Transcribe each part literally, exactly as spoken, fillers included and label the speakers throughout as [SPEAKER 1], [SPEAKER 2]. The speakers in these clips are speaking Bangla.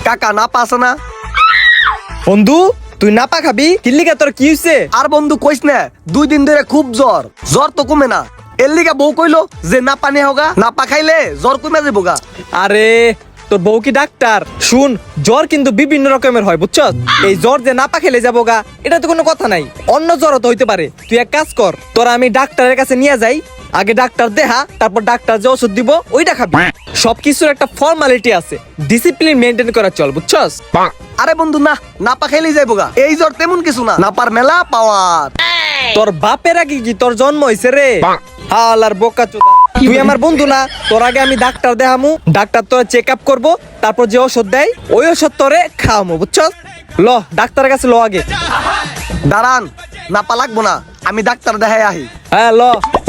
[SPEAKER 1] কাকা না পাস না
[SPEAKER 2] বন্ধু তুই নাপা খাবি কিল্লিকা তোর কি হইছে?
[SPEAKER 1] আর বন্ধু কইস না দুই দিন ধরে খুব জ্বর জ্বর তো কমে না এর লিগা বউ কইলো যে না পানি হোগা না পা খাইলে জ্বর কমে যাবো গা।
[SPEAKER 2] আরে তোর বউ কি ডাক্তার? শুন, জ্বর কিন্তু বিভিন্ন রকমের হয় বুঝছস। এই জ্বর যে নাপা খেলে যাবো গা এটা তো কোনো কথা নাই, অন্য জ্বরও তো হইতে পারে। তুই এক কাজ কর, তোরা আমি ডাক্তারের কাছে নিয়ে যাই, আগে ডাক্তার দেহা, তারপর ডাক্তার যে ওষুধ দিব ওইটা খাবি। সবকিছুর একটা ফর্মালিটি আছে, ডিসিপ্লিন মেনটেন করা চল বুঝছস।
[SPEAKER 1] আরে বন্ধু না না পা খাইলেই যাইবো গা, এই জ্বর তেমন কিছু না, না পার মেলা পাওয়ার।
[SPEAKER 2] তোর বাপের আগে কি তোর জন্ম হইছে রে? হালার বোকা চোদা, তুই আমার বন্ধু না? তোর আগে আমি ডাক্তার দেখামু, ডাক্তার তোর চেক আপ করবো, তারপর যে ওষুধ দেয় ওই ওষুধ তোরে খাওয়ামু বুঝছস। ল ডাক্তারের কাছে ল আগে।
[SPEAKER 1] দাঁড়ান না পা লাগবো না, আমি ডাক্তার দেখাই আহি।
[SPEAKER 2] হ্যাঁ ল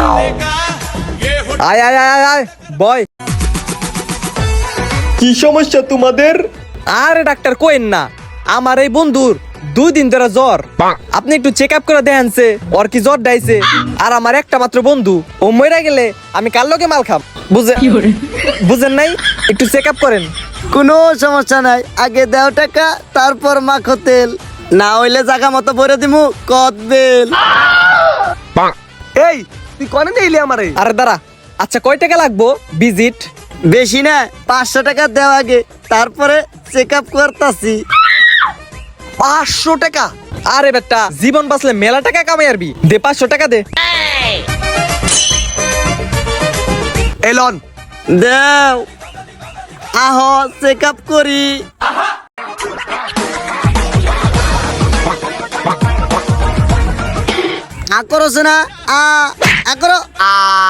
[SPEAKER 2] আয় আয় আয় আয় আয় বয়। কি সমস্যা তোমাদের? আরে ডাক্তার কোয়েন না, আমার এই বন্ধুর দুই দিন ধরে জ্বর, আপনি একটু চেক আপ করে দেখেনছে ওর কি জ্বর ডাইছে। আর আমার একটা মাত্র বন্ধু, ও মরে গেলে আমি কার লগে মাল খাম, বুঝে বুঝেন নাই? একটু চেক আপ করেন।
[SPEAKER 3] কোনো সমস্যা নাই, আগে দেও টাকা তারপর মাখো তেল, না হইলে জায়গা মতো ভরে দিমু কত বেল।
[SPEAKER 1] এই তুই কনে নিলি আমারে?
[SPEAKER 2] আরে দাঁড়া, আচ্ছা কয় টাকা লাগবো ভিজিট?
[SPEAKER 3] বেশি না, পাঁচশো টাকা দেও আগে, তারপরে চেক আপ করতাছি।
[SPEAKER 1] পাঁচশো টাকা?
[SPEAKER 2] আরে বেটা, জীবন বাঁচলে মেলা টাকা কামাই আরবি, দে পাঁচশো টাকা দে।
[SPEAKER 1] এলন
[SPEAKER 3] দেও আহ চেক আপ করি। আ করছে না, আ আ করো আ।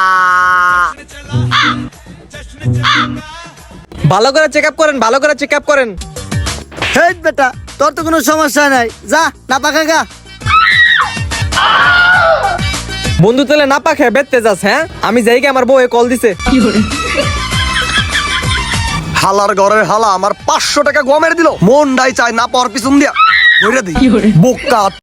[SPEAKER 2] ভালো করে চেক আপ করেন, ভালো করে চেক আপ করেন।
[SPEAKER 3] হেই বেটা, তোর তো কোনো সমস্যা নাই, যা না পাকা গা।
[SPEAKER 2] বন্ধু তাহলে না পাখে বেচতে যাস? হ্যাঁ আমি যাই গে, আমার বউ কল দিছে।
[SPEAKER 1] হালার ঘরের হালা আমার পাঁচশো টাকা গমের দিল, মন ডাই চায় না পাওয়ার পিছন দিয়া বইরা দিই বোকা।